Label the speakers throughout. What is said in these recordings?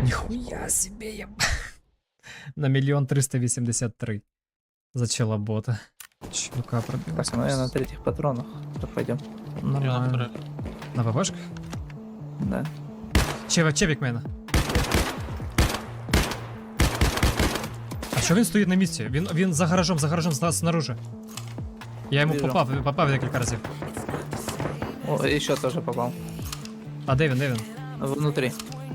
Speaker 1: Ніхуя себе я. На 1 383 000 за челобота. Чувака пробил.
Speaker 2: Так, ну я на третьих патронах. То пойдем.
Speaker 1: Нормально. На ППшках?
Speaker 2: Да.
Speaker 1: Чевик мене. А що він стоїть на місці? Він за гаражом снаружи. Я йому
Speaker 2: Вижу.
Speaker 1: попав декілька разів.
Speaker 2: О, еще тоже попал.
Speaker 1: А де він?
Speaker 2: Внутри.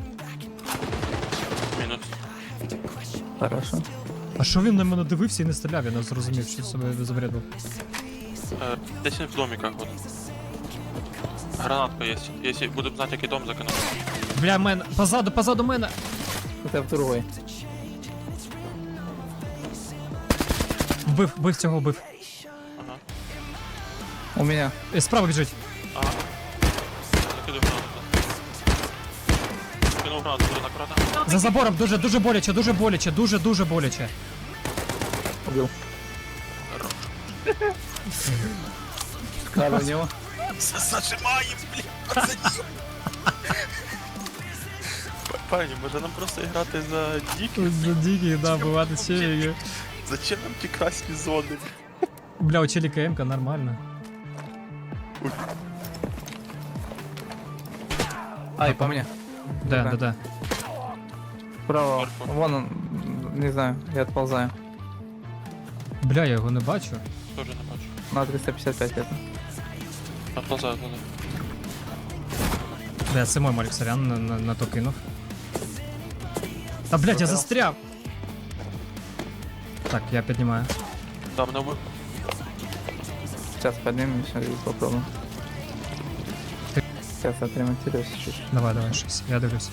Speaker 3: Мінус.
Speaker 2: Хорошо.
Speaker 1: А що він на мене дивився і не стріляв? Я не зрозумів, що себе забрядив.
Speaker 3: Десь він в домиках от. Гранатка є. Якщо будемо знати, який дом закинути.
Speaker 1: Бля, мен, позаду мене.
Speaker 2: Это в другой.
Speaker 1: Вбив цього, вбив.
Speaker 3: Ага.
Speaker 2: У меня.
Speaker 1: Справа біжить.
Speaker 3: Ага. Закидаю гранату. Кинув гранату, буде накрата.
Speaker 1: За забором дуже боляче, дуже боляче.
Speaker 2: Убил. Надо в него.
Speaker 3: Зажимаємо, блін, пацанів. Пані, може нам просто грати за діки?
Speaker 1: За диких, да, бувати челіки.
Speaker 3: Зачем нам ті красні зони?
Speaker 1: Бля, у челіка МК нормально.
Speaker 2: Ай, по мне.
Speaker 1: Да.
Speaker 2: Справа.
Speaker 3: Сверху.
Speaker 2: Вон он. Не знаю, я отползаю.
Speaker 1: Бля, я його не бачу.
Speaker 3: Тоже не бачу.
Speaker 2: На 355 это.
Speaker 3: Отползаю.
Speaker 1: Бля, це мой Марік Сорян на то кинув. Та блядь, я застряв! Так, я піднімаю.
Speaker 3: Да, мене вбив.
Speaker 2: Сейчас поднимемся и попробуем. Сейчас отремонтируюсь чуть-чуть.
Speaker 1: Давай, щось, я дивлюсь.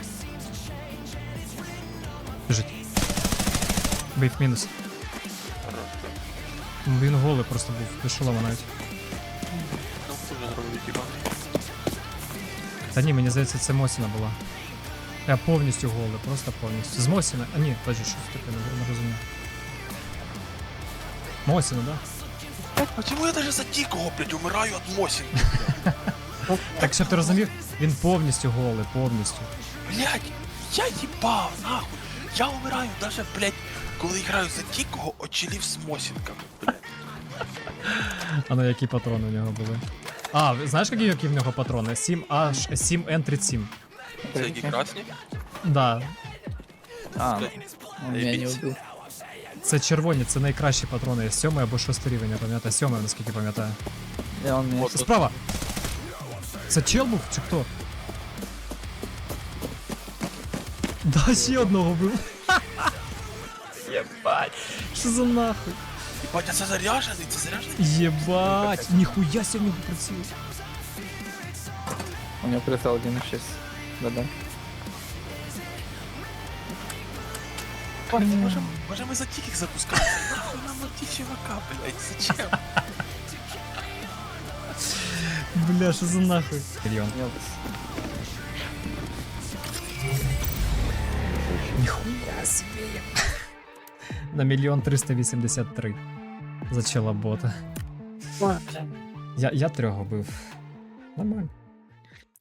Speaker 1: Біжить. Бив мінус. Він голий просто був, без шолома навіть.
Speaker 3: Ну, хто вже зробив тіба?
Speaker 1: Та ні, мені здається, це Мосіна була. Я повністю голий, просто повністю. З Мосіна. А ні, подожди, щось таке не розумію. Мосіна, да?
Speaker 3: Почему я даже за дикого, блядь, умираю от Мосин?
Speaker 1: Так, щоб ти розумів, він повністю голий, повністю.
Speaker 3: Блядь, я їбав, нахуй. Я умираю даже, блядь, коли граю за дикого, очелів з Мосінками, блядь.
Speaker 1: А ну які патрони у нього були? А, знаєш, які в нього патрони? 7N37.
Speaker 3: Це які красні?
Speaker 1: Да,
Speaker 2: А, он меня не убил.
Speaker 1: це червоні, це найкращі патрони. 7 або 6 рівень, я пам'ятаю. 7, наскільки пам'ятаю.
Speaker 2: И он меня...
Speaker 3: Вот.
Speaker 1: Справа! Це чел був чи хто? Да, ще одного був. Єбать. Що за нахуй?
Speaker 3: Ебать, а це заряжений,
Speaker 1: Єбать. Ніхуя сі в нього приціл.
Speaker 2: У него прицел 1.6. Да-да.
Speaker 3: Пані, може ми за диких запускаємо? Нахуй нам на ті чувака, блядь, зачем?
Speaker 1: Бля, що за нахуй? Мільйон.
Speaker 2: Нет.
Speaker 1: Ніхуя себе. На 1 383 000 за челобота. Я 3 бив. Нормально.